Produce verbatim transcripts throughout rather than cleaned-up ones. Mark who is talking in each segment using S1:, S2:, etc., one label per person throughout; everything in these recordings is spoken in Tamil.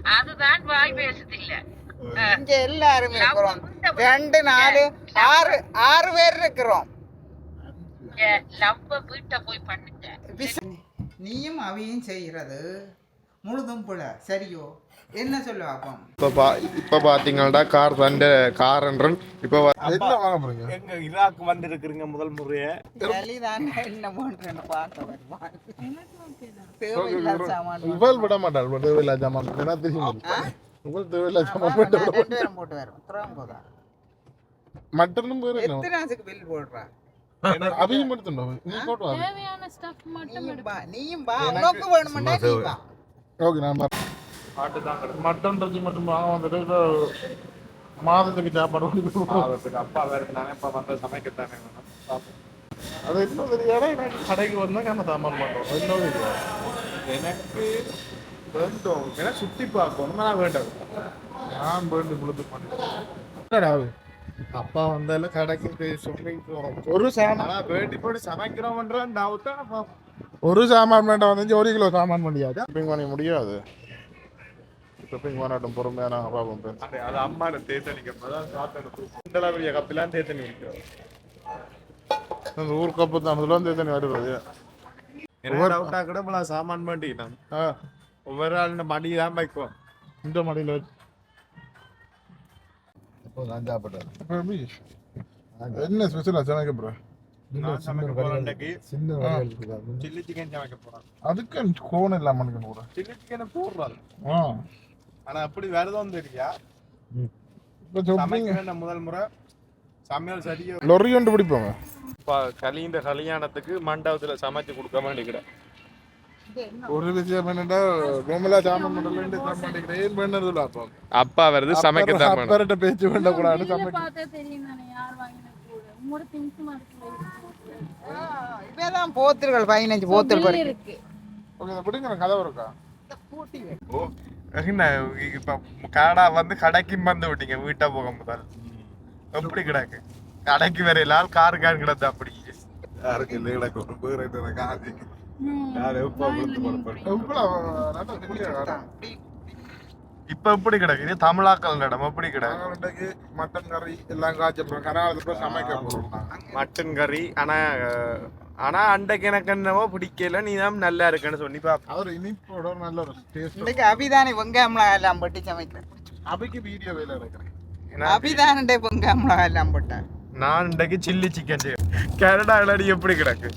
S1: அதுதான் வாய் பேசுது இல்ல.
S2: இங்க எல்லாரும் இருக்கிறோம். ரெண்டு நாலு ஆறு ஆறு பேர் இருக்கிறோம்.
S1: லவ் வீட்டை போய் பண்ணிட்டேன்.
S2: நீயும் அவையும் செய்யறது முழுதும் போல சரியோ என்ன சொல்லுவாப்போம்.
S3: இப்போ இப்போ பார்த்தீங்கன்னா கார் தண்ட கார் என்றன் இப்போ என்ன வாங்க போறீங்க?
S4: எங்க ஈராக் வந்து இருக்கிறீங்க முதல் முறையே
S2: வெளிதான் என்ன பண்றேன்னு பார்க்க வருவான். தேவையில்லாத சாமான்
S3: இவள் விட மாட்டாள். தேவையில்லாத சாமான் என்ன தெரியும்? இவள் தேவையில்லாத சாமான் போட்டு
S2: ரெண்டு பேரும் போட்டு வரும். திறம் போதா
S3: மட்டனும் பேரு
S2: எத்தனை ஆசுக்கு பில் போடுறா?
S3: அதையும் எடுத்துட்டோம். நீ போட்டு வா.
S5: தேவையான ஸ்டஃப் மட்டும்
S2: பா நீயும் பா உனக்கு வேணும்னா நீ பா.
S3: ஓகே நான் ஆட்டு தான் மட்டன் இறைச்சி மட்டும் வாங்க வந்துட்டு மாதத்துக்கு சாப்பாடு மாதத்துக்கு அப்பா வேறு நானே இப்போ வந்து சமைக்கத்தானே வேணும். அது இன்னும் தெரியாத எனக்கு கடைக்கு வந்தால் நம்ம சாமான் பண்ணுறோம். இன்னும் தெரியாது எனக்கு வேண்டும். ஏன்னா சுற்றி பார்க்கணும். நான் வேண்டாம். நான் வேண்டும் முழுது பண்ணேன். அப்பா வந்தால கடைக்கு சொல்லி ஒரு சாமான் வேண்டி போட்டு சமைக்கிறோம்ன்ற டவுட்டா ஒரு சாமான் வேண்டாம் வந்து ஒரு கிலோ சாமான் பண்ணியாது ஷாப்பிங் பண்ண முடியாது. ஷாப்பிங் பண்ணட்டும் பொறுமையாக நாங்கள் பார்ப்போம். அது அம்மாவை தேத்தனிக்க தான் பெரிய கப்பெல்லாம் தேத்தனி வைக்கிறோம். அந்த ஊர் கப்பு தான் அதெல்லாம் தேத்தனி வருவது
S4: டவுட்டா கூட இப்போ சாமான் பண்ணிட்டேன். ஒவ்வொரு ஆள் இந்த மடி தான் வைக்குவோம்.
S3: இந்த மடியில் வச்சு என்ன ஸ்பெஷலா சமைக்க போற?
S4: சில்லி சிக்கன் சமைக்க போறேன்.
S3: அதுக்கு கோன் இல்லாம கூட
S4: சில்லி சிக்கனை போடுறாரு. ஆனா அப்படி வேறதும் தெரியா முதல் முறை சமையல் சரியா
S3: லொரி கொண்டு பிடிப்போங்க.
S4: கலிந்த கல்யாணத்துக்கு மண்டபத்துல சமைச்சு கொடுக்க மாட்டேங்கிறேன்.
S3: ஒரு விஷயம் என்னடா கோமலா சாமன் மண்டல சாமான் பண்ணதுல
S4: அப்பா வருது சமைக்க தான்
S3: அப்பறட்ட பேச்சு பண்ண கூடாது. சமைக்க
S5: பார்த்தா தெரியும் நானே யார் வாங்கின கூட மூணு திங்ஸ் மாதிரி
S2: இதான் போத்தல்கள் பதினஞ்சு போத்தல்
S5: இருக்கு.
S3: ஓகே இத பிடிங்க கதை இருக்கா
S2: பூட்டி
S4: ஓ என்ன இப்ப காடா வந்து கடைக்கு வந்து விட்டீங்க வீட்டா போக முதல் எப்படி கிடக்கு கடைக்கு வேற எல்லாரும் கார் கார் கிடந்து அப்படி
S3: யாருக்கு இல்லை கிடக்கு ஒரு பேர் ரைட்டு காதி
S4: இப்ப எப்படி கிடக்கு இது தமிழாக்கள் இடம் எப்படி கிடக்கு
S3: மட்டன் கறி எல்லாம் காய்ச்சல் கராளத்துக்கு சமைக்க போறோம்.
S4: மட்டன் கறி ஆனா ஆனா அண்டைக்கு எனக்கு என்னவோ பிடிக்கல. நீ தான் நல்லா இருக்குன்னு சொன்னி பாப்பா.
S3: அவர் இனிப்போட நல்ல ஒரு டேஸ்ட்.
S2: இன்னைக்கு அபிதானே வெங்காயம்லாம் எல்லாம் போட்டு சமைக்கிறேன்.
S3: அபிக்கு வீடியோ வேலை இருக்கிறேன்.
S2: அபிதானே வெங்காயம்லாம் எல்லாம் போட்டேன்.
S4: நான் இன்றைக்கு சில்லி சிக்கன் கனடா இல்லாடி எப்படி கிடக்கு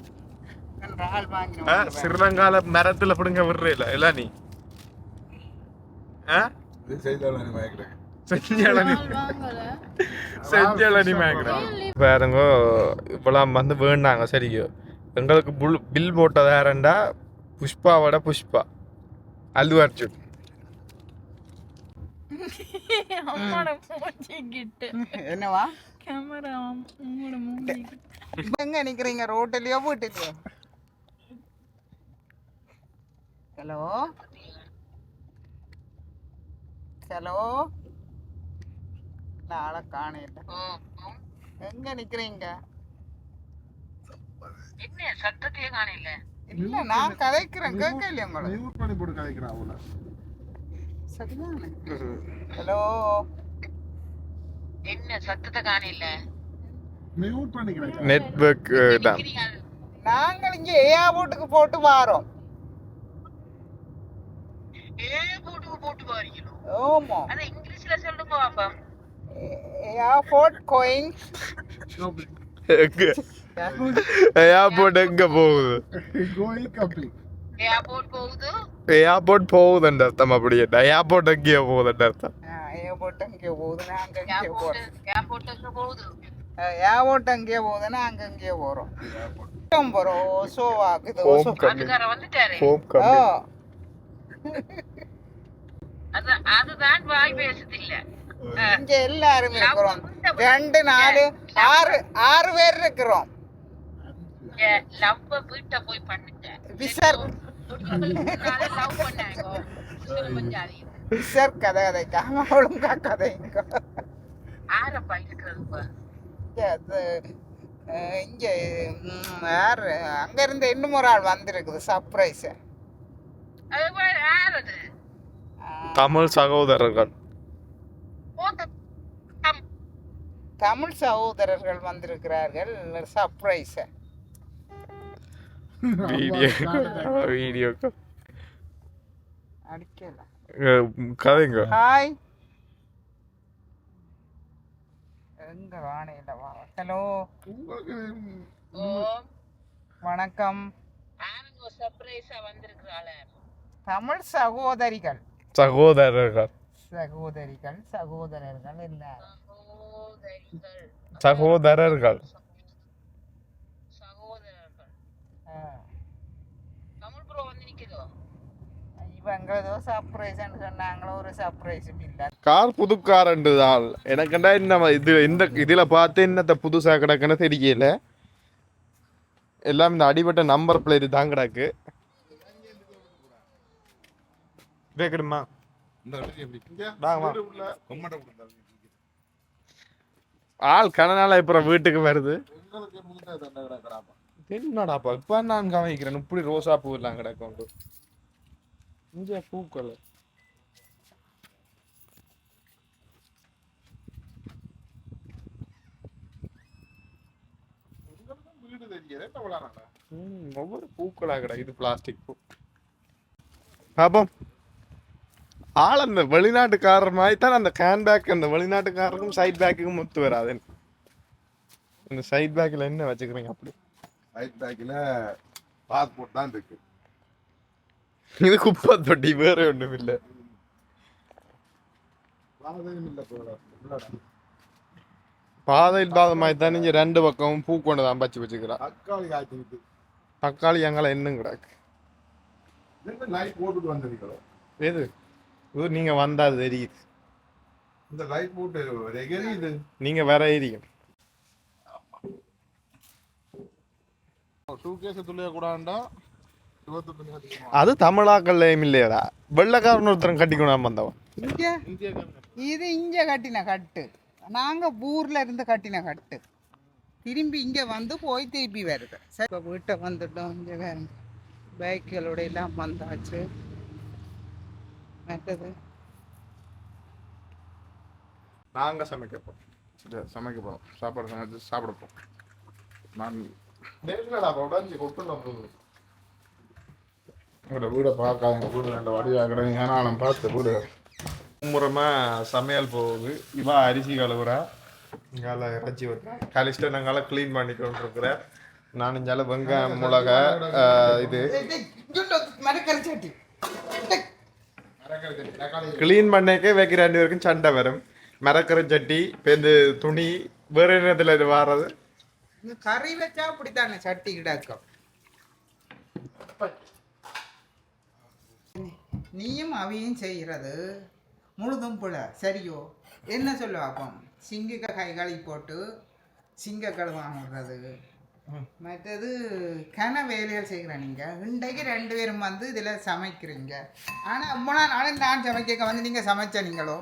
S4: ஸ்ரீலங்கால மரத்துல பிடுங்க விடுறீல இல்ல நீ பாருங்க இப்பெல்லாம் வந்து வேண்டாங்க சரியோ. எங்களுக்கு புல் பில் போட்டது யாரண்டா புஷ்பாவோட புஷ்பா அல்லு அர்ஜுன்.
S2: என்னவா
S5: கேமரா
S2: எங்க நிக்கிறீங்க ரோட்லயோ வீட்டுலயோ? ஹலோ ஹலோ ஆளை காணையில எங்க நிக்கிறீங்க?
S1: என்ன சத்தத்தையே காணையில?
S2: இல்ல நான் கதைக்கிறேன் கேட்கலையா உங்களை?
S3: மியூட் பண்ணி போட்டு கதைக்கிறேன் அவள.
S2: சரிதானே? ஹலோ
S1: என்ன சத்தத்தை காணையில?
S3: மியூட் பண்ணிக்கிறேன்.
S4: நெட்வொர்க் தான்.
S2: நாங்கள் இங்க ஏர்போர்ட்டுக்கு போட்டு வாரோம்.
S1: ஏர்போர்ட்டுக்கு போட்டு வாரீங்களோ?
S2: ஆமா.
S1: அத இங்கிலீஷ்ல சொல்லுங்க பாப்பா.
S2: Airport going.
S4: ஏர்போர்ட் எங்க போகுது?
S3: கோயிங் கப்பி.
S1: ஏர்போர்ட் போகுது.
S4: ஏர்போர்ட் போகுதுன்ற அர்த்தம். அப்படியே ஏர்போர்ட் எங்கே போகுதுன்ற அர்த்தம்.
S2: ஏர்போர்ட் எங்கே போகுது நாங்க எங்கே போறோம்?
S1: ஏர்போர்ட் எங்க போகுது?
S2: ஏர்போர்ட் எங்கே போகுதுன்னா அங்க எங்கே போறோம்? போறோம் சோ ஆகுது.
S1: அதுக்கார வந்துட்டாரு. அது அதுதான் வாய் பேசுது இல்ல.
S2: இங்க எல்லாரும் இருக்கிறோம். ரெண்டு நாலு ஆறு ஆறு பேர் இருக்கிறோம்.
S1: லவ் வீட்டை போய் பண்ணிட்டேன்.
S2: விசர்
S1: லவ் பண்ணாங்க.
S2: விசர் கதை கதைக்காம ஒழுங்கா கதைங்க.
S1: ஆரப்பா இருக்கிறது
S2: இங்க யாரு அங்க இருந்து இன்னும் ஒரு ஆள் வந்திருக்குது சர்ப்ரைஸ்.
S4: தமிழ் சகோதரர்கள்
S2: தமிழ் சகோதரர்கள் வந்திருக்கிறார்கள் சர்ப்ரைஸ்
S4: வீடியோ வீடியோ
S2: அடிக்கலாம்
S4: கதைங்க.
S2: ஹாய் எங்க வாணையில வா ஹலோ வணக்கம்
S1: சர்ப்ரைஸா வந்திருக்கிறாள
S2: தமிழ் சகோதரிகள்
S4: சகோதரர்கள்
S2: சகோதரிகள் சகோதரர்கள் எல்லாரும்
S4: சகோதரர்கள்
S1: சகோதரர்கள்
S2: ஆ.
S1: தமிழ் ப்ரோ வந்து நிக்குதோ
S2: இவங்க ஏதோ சர்ப்ரைஸ்ன்னு சொன்னாங்களோ ஒரு சர்ப்ரைஸும் இல்லை
S4: கார் புது கார் தான் எனக்குண்டா என்ன இது இந்த இதில் பார்த்து என்னத்த புதுசாக கிடக்குன்னு தெரியல. எல்லாம் இந்த அடிபட்ட நம்பர் பிளேட் தான் கிடக்கு. கேட்கணுமா? ஆள் கனநாள இப்போ வீட்டுக்கு வருது. என்னடாப்பா இப்போ நான் கவனிக்கிறேன் இப்படி ரோசா பூ எல்லாம் கிடக்கும் இங்கே பூக்கள் ஒவ்வொரு பூக்களா கிடக்கு. இது பிளாஸ்டிக் பூ. பாப்போம் ஆள் அந்த வெளிநாட்டுக்காரர் மாதிரி தான் அந்த கேன் பேக் அந்த வெளிநாட்டுக்காரருக்கும் சைட் பேக்குக்கும் ஒத்து வராது. இந்த சைட் பேக்கில் என்ன வச்சுக்கிறீங்க? அப்படி
S3: சைட் பேக்கில் பாஸ்போர்ட் தான் இருக்கு.
S4: இது குப்பை தொட்டி வேற ஒன்றும் இல்லை. பாதையில் பாத மாதிரி தான் நீங்க ரெண்டு பக்கமும் பூ கொண்டு தான் பச்சு வச்சுக்கிறா.
S3: தக்காளி காய்ச்சி
S4: தக்காளி எங்களை இன்னும் கிடக்கு.
S3: லைட் போட்டுட்டு வந்திருக்கிறோம்.
S4: எது இது நீங்க வந்தா அது தெரியுது.
S3: இந்த லைட் போட்டு எரியுது.
S4: நீங்க வேற ஏரியும்
S3: சூகேஸ் துளைய கூடாண்டா.
S4: அது தமிழாக்கள்லையும் இல்லையடா. வெள்ளக்காரன் ஒருத்தரம் கட்டிக்கணும் வந்தவன்.
S2: இங்க இது இங்க கட்டின கட்டு நாங்க ஊர்ல இருந்து கட்டின கட்டு திரும்பி இங்க வந்து போய் திருப்பி வருது. சரி இப்போ வீட்டை வந்துட்டோம். இங்க வேற பைக்குகளோட எல்லாம் வந்தாச்சு. மற்றது
S4: நாங்க சமைக்க போறோம். சமைக்க போறோம். சாப்பாடு சமைச்சு சாப்பிட போறோம். நான் உடஞ்சி கொட்டு உங்களோட வீடை பார்க்காத வீடு நல்ல வடிவாக ஏனாலும் பார்த்து வீடு முறமா சமையல் போகுது. இவா அரிசி கழுவுறா. இங்கால இறைச்சி வைக்கிறேன். கலிஸ்ட்டை நாங்கால க்ளீன் பண்ணி கொண்டு இருக்கிறேன். நான் இங்கால வெங்காயம் மிளகா இது க்ளீன் பண்ணக்கே வைக்கிற ரெண்டு பேருக்கும் சண்டை வரும். மரக்கரை சட்டி பேருந்து துணி வேற என்னத்துல இது வாரது.
S2: கறி வச்சா அப்படித்தானே சட்டி கிடக்கும். நீயும் அவையும் செய்கிறது முழுதும் புல சரியோ என்ன சொல்லுவாப்போம். சிங்க கை கழுவி போட்டு சிங்க கழுவாங்கிறது மற்றது கன வேலைகள் செய்கிறேன். நீங்கள் இன்றைக்கு ரெண்டு பேரும் வந்து இதில் சமைக்கிறீங்க. ஆனால் அம்மா நாளும் நான் சமைக்க வந்து நீங்கள் சமைச்ச நீங்களோ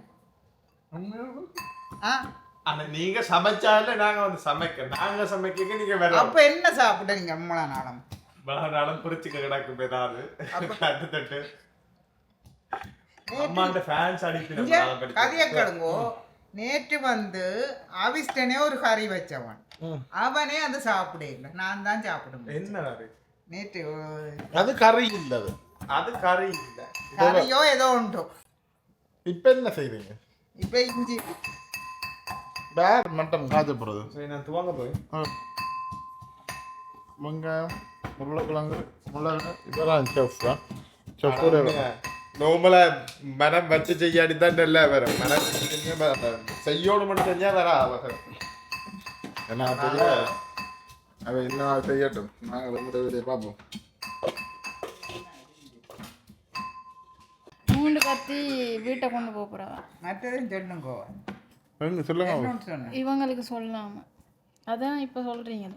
S2: ஆ
S4: ஆனா நீங்க சமைச்சால நாங்க வந்து சமைக்க நாங்க சமைக்க நீங்க வேற
S2: அப்போ என்ன சாப்பிட்ட நீங்கள் அம்மா நாளும்
S4: நாளும் குறிச்சிக்க கிடக்கும் ஏதாவது தட்டு தட்டு அம்மாண்ட ஃபேன்ஸ் அடிப்பின
S2: கதையை கேளுங்கோ. நேற்று வந்து அவிஷ்டனே ஒரு கறி வச்சவன் அவனே அது சாப்பிட இல்லை. நான் தான் சாப்பிடுவேன்.
S4: என்ன
S2: நேற்று
S3: அது கறி இல்லை. அது
S4: அது கறி இல்லை.
S2: கறியோ ஏதோ உண்டோ.
S3: இப்போ என்ன செய்றீங்க?
S2: இப்போ இஞ்சி
S3: பேர் மட்டம் காய்ச்சப்படுறது.
S4: சரி நான் துவங்க போய்
S3: வெங்காயம் உருளைக்கிழங்கு மிளகு இதெல்லாம் செஃப் தான். செஃப் கூட
S4: நோமலா மனம் வச்சு செய்யாடி தான் நல்லா வரும். மனம் செய்யோடு மட்டும் செஞ்சா வர ஆகும்.
S3: என்ன தெரியல. அவ என்ன செய்யட்டும். நாங்கள் ரெண்டு வீடியோ பார்ப்போம்.
S5: மூண்டு கத்தி வீட்டை கொண்டு போக போறவா.
S2: மற்றதும் சொல்லுங்கோ.
S3: எங்க சொல்லுங்க.
S2: இன்னொன்று சொன்னேன்.
S5: இவங்களுக்கு சொல்லாம அதான் இப்ப சொல்றீங்களே.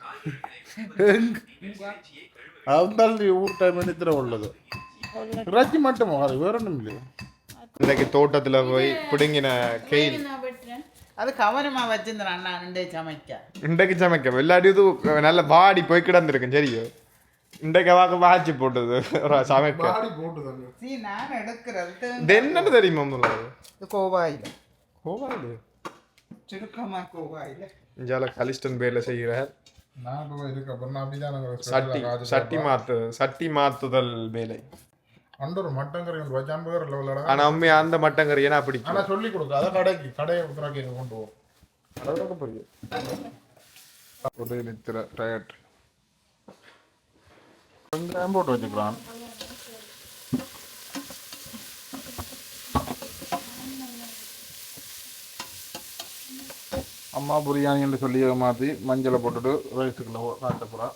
S3: அதுதான் ஊர் டைம் நித்திர உள்ளது. இறைச்சி மட்டும் வேற ஒன்றும் இல்லையா?
S4: இன்னைக்கு தோட்டத்துல போய் பிடுங்கின கெயில்
S5: நான் வெட்டுறேன்.
S2: அது கவனமாக வச்சிருந்தேன் அண்ணா ரெண்டே சமைக்க.
S4: இன்றைக்கு சமைக்க இல்லாட்டி இது நல்ல வாடி போய் கிடந்திருக்கும். சரியோ இன்றைக்கு வாக்கு வாட்சி போட்டது ஒரு சமைக்க
S3: பாடி போட்டுதாங்க.
S2: சீ நான் எடுக்கிறது
S4: இது என்னன்னு தெரியுமா முதல்ல
S2: இது கோவாயில்
S4: கோவாயில்
S2: சுருக்கமா கோவாயில்
S4: இஞ்சால கலிஸ்டன் பேர்ல செய்கிறார்
S3: நான் இப்போ இதுக்கு அப்புறம் அப்படிதான் நாங்கள்
S4: சட்டி சட்டி மாத்து சட்டி மாத்துதல் வேலை
S3: அண்டு ஒரு மட்டன் கறி கொண்டு வச்சு ஐம்பது லெவலோட.
S4: ஆனா உண்மையா அந்த மட்டன் கறி ஏன்னா பிடிக்கும்
S3: ஆனால் சொல்லி கொடுக்க அதை கடைக்கு கடையை உத்தராக்கி கொண்டு போவோம்.
S4: அதோட புரியும்
S3: ஒரு நித்திர டயட் வெங்காயம் போட்டு வச்சுக்கிறான். அம்மா பிரியாணி என்று சொல்லி மாற்றி மஞ்சளை போட்டுட்டு ரைஸுக்குள்ள காட்டப்புறா.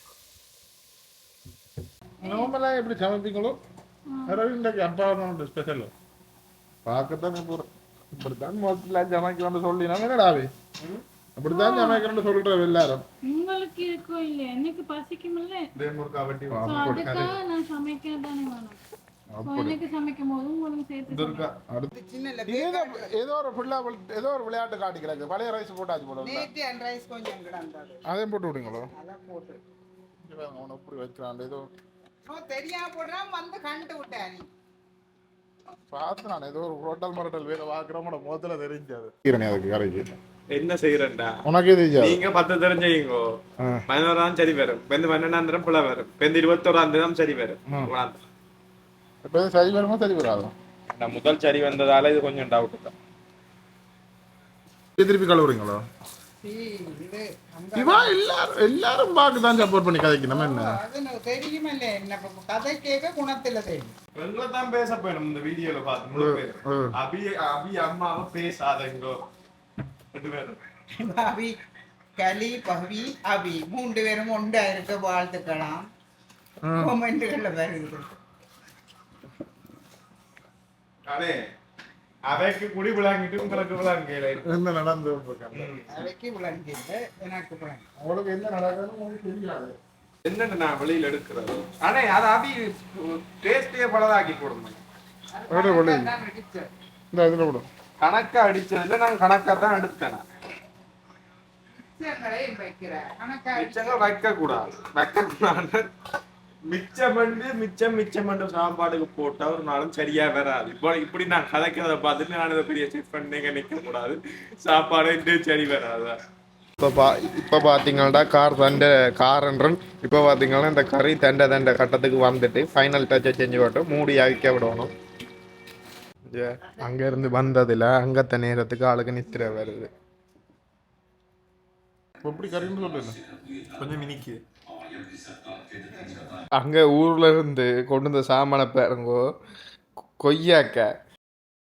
S3: நார்மலாக எப்படி சமைப்பீங்களோ அதாவது இன்றைக்கு அப்பா ஸ்பெஷல் பார்க்கத்தானே போகிறேன். இப்படித்தான் மொத்தத்தில் சமைக்கணும்னு சொல்லி நாங்கள் என்னடாவே அப்படித்தான் சமைக்கணும்னு சொல்கிறோம் எல்லாரும்.
S5: உங்களுக்கு இருக்கோ இல்லையா எனக்கு பசிக்குமில்ல அதுக்காக நான் சமைக்க தானே வேணும். So, எனக்கு சமைக்கும் போது உங்களுக்கு சேர்த்து
S3: அடுத்து
S2: சின்ன
S3: ஏதோ ஏதோ ஒரு ஃபுல்லா ஏதோ ஒரு விளையாட்டு காட்டிக்கிறாங்க. பழைய ரைஸ் போட்டாச்சு போல
S2: நேற்று அண்ட் ரைஸ் கொஞ்சம் கிடந்தது
S3: அதையும் போட்டு விடுங்களோ.
S2: அதான் போட்டு
S3: அவனை இப்படி வைக்கிறான் ஏதோ
S2: ஓ தெரியாம போடுறான் வந்து கண்டு விட்டேன் நீ
S3: பார்த்து நான் ஏதோ ஒரு ஹோட்டல் மரட்டல் வேலை பார்க்குறோமோட முகத்துல தெரிஞ்சாது அதுக்கு கரைக்கு
S4: என்ன செய்யறேன்டா
S3: உனக்கே தெரியாது.
S4: நீங்க பத்து தெரிஞ்சீங்கோ பதினோராம் சரி வரும் பெந்து பன்னெண்டாம் தரம் புல வரும் பெந்து இருபத்தோராம் தரம் சரி வரும்.
S3: இப்போ சரி வருமா சரி வராது.
S4: நான் முதல் சரி வந்ததால இது கொஞ்சம் டவுட் தான்.
S3: திருப்பி கழுவுறீங்களோ?
S2: இது
S3: இவா எல்லாரும் எல்லாரும் பார்த்து தான் சப்போர்ட் பண்ணி கதைக்கு நம்ம என்ன
S2: அது தெரியுமில்ல என்ன கதை கேட்க குணத்துல தெரியும்.
S4: எங்களை தான் பேச போயிடும் இந்த வீடியோல பார்த்து முழு பேர் அபி அபி அம்மாவை பேசாதீங்கோ ரெண்டு பேரும்
S2: அபி கலி பவி அபி மூன்று பேரும் ஒன்றா இருக்க வாழ்த்துக்கலாம் கமெண்ட்கள்ல வருது.
S4: அடே அவைக்கு குடி விளாங்கிட்டு உங்களுக்கு விளாங்கல
S3: என்ன நடந்து
S2: அவைக்கு விளங்கில்ல எனக்கு விளங்கி
S3: உங்களுக்கு என்ன நடக்குதுன்னு உங்களுக்கு தெரியாது.
S4: என்னன்னு நான் வெளியில எடுக்கிறது ஆனா அது அபி டேஸ்டே பலதாக்கி போடணும்.
S3: இந்த இதுல விடும்
S4: கணக்கா அடிச்சதுல நான் கணக்கா தான் எடுத்தேன். மிச்சங்கள் வைக்க கூடாது வைக்க கூடாது மிச்சம் பண்ணி மிச்சம் மிச்சம் பண்ண சாப்பாடுக்கு போட்டா ஒரு நாளும் சரியா வராது. இப்போ இப்படி நான் கதைக்கிறத பார்த்துட்டு நான் இதை பெரிய செக் பண்ணீங்க நிற்க கூடாது சாப்பாடு இன்னும் சரி வராது. இப்போ பா இப்போ பார்த்தீங்கன்னா கார் தண்டை காரன்றன் இப்போ பார்த்தீங்கன்னா இந்த கறி தண்டை தண்டை கட்டத்துக்கு வந்துட்டு ஃபைனல் டச்சை செஞ்சு விட்டு மூடி அவிக்க விடணும். அங்கேருந்து வந்ததில் அங்கத்த நேரத்துக்கு ஆளுக்கு நித்திர வருது.
S3: எப்படி கறின்னு சொல்லுங்க
S4: கொஞ்சம் மினிக்கு அங்கே ஊரில் இருந்து கொண்டு வந்த சாமான பாருங்கோ கொய்யாக்காய்